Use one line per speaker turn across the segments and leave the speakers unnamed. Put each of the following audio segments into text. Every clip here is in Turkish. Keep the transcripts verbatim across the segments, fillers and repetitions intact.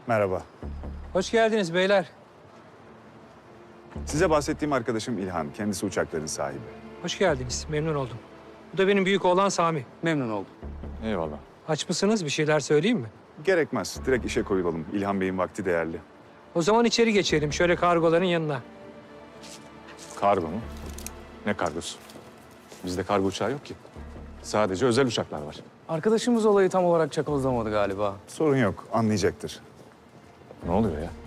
Merhaba.
Hoş geldiniz beyler.
Size bahsettiğim arkadaşım İlhan. Kendisi uçakların sahibi.
Hoş geldiniz. Memnun oldum. Bu da benim büyük oğlan Sami.
Memnun oldum.
Eyvallah.
Aç mısınız? Bir şeyler söyleyeyim mi?
Gerekmez. Direkt işe koyulalım. İlhan Bey'in vakti değerli.
O zaman içeri geçelim. Şöyle kargoların yanına.
Kargo mu? Ne kargosu? Bizde kargo uçağı yok ki. Sadece özel uçaklar var.
Arkadaşımız olayı tam olarak çakozlamadı galiba.
Sorun yok. Anlayacaktır.
Ne oluyor ya?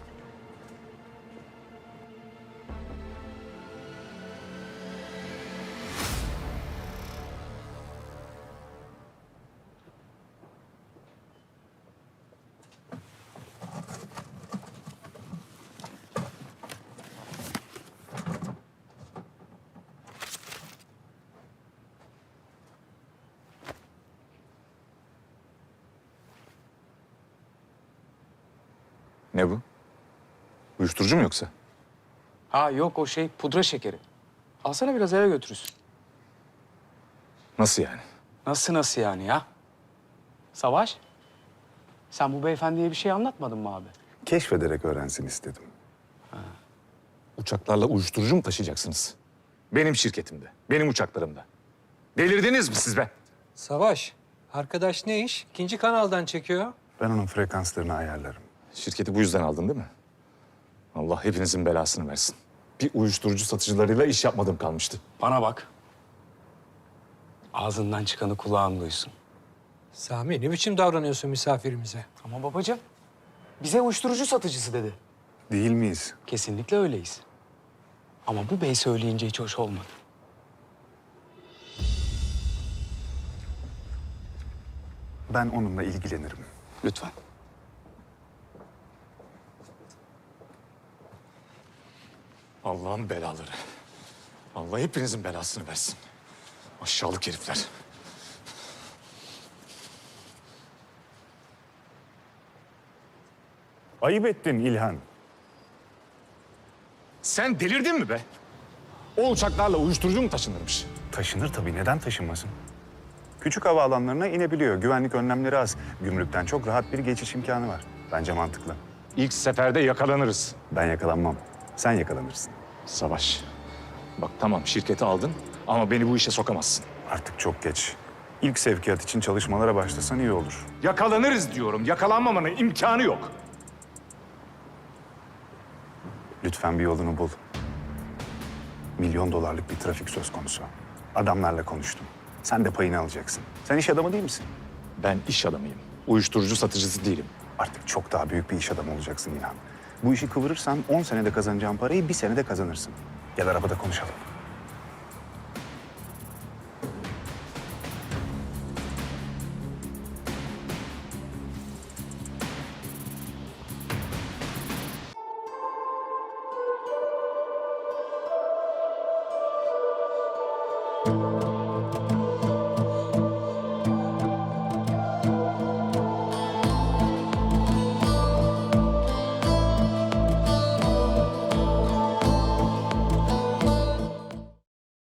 Ne bu? Uyuşturucu mu yoksa?
Ha yok o şey pudra şekeri. Alsana biraz eve götürürsün.
Nasıl yani?
Nasıl nasıl yani ya? Savaş, sen bu beyefendiye bir şey anlatmadın mı abi?
Keşfederek öğrensin istedim.
Uçaklarla uyuşturucu mu taşıyacaksınız? Benim şirketimde, benim uçaklarımda. Delirdiniz mi siz be?
Savaş, arkadaş ne iş? İkinci kanaldan çekiyor.
Ben onun frekanslarını ayarlarım.
Şirketi bu yüzden aldın değil mi? Allah hepinizin belasını versin. Bir uyuşturucu satıcılarıyla iş yapmadığım kalmıştı.
Bana bak. Ağzından çıkanı kulağın duysun.
Sami, ne biçim davranıyorsun misafirimize?
Ama babacığım, bize uyuşturucu satıcısı dedi.
Değil miyiz?
Kesinlikle öyleyiz. Ama bu bey söyleyince hiç hoş olmadı.
Ben onunla ilgilenirim.
Lütfen.
Allah'ın belaları. Allah hepinizin belasını versin. Aşağılık herifler.
Ayıp ettin İlhan.
Sen delirdin mi be? O uçaklarla uyuşturucu mu taşınırmış?
Taşınır tabii. Neden taşınmasın? Küçük havaalanlarına inebiliyor. Güvenlik önlemleri az. Gümrükten çok rahat bir geçiş imkanı var. Bence mantıklı.
İlk seferde yakalanırız.
Ben yakalanmam. Sen yakalanırsın.
Savaş. Bak tamam şirketi aldın ama beni bu işe sokamazsın.
Artık çok geç. İlk sevkiyat için çalışmalara başlasan iyi olur.
Yakalanırız diyorum. Yakalanmamanın imkanı yok.
Lütfen bir yolunu bul. Milyon dolarlık bir trafik söz konusu. Adamlarla konuştum. Sen de payını alacaksın. Sen iş adamı değil misin?
Ben iş adamıyım. Uyuşturucu satıcısı değilim.
Artık çok daha büyük bir iş adamı olacaksın İlhan. Bu işi kıvırırsan on senede kazanacağın parayı bir senede kazanırsın. Gel arabada konuşalım.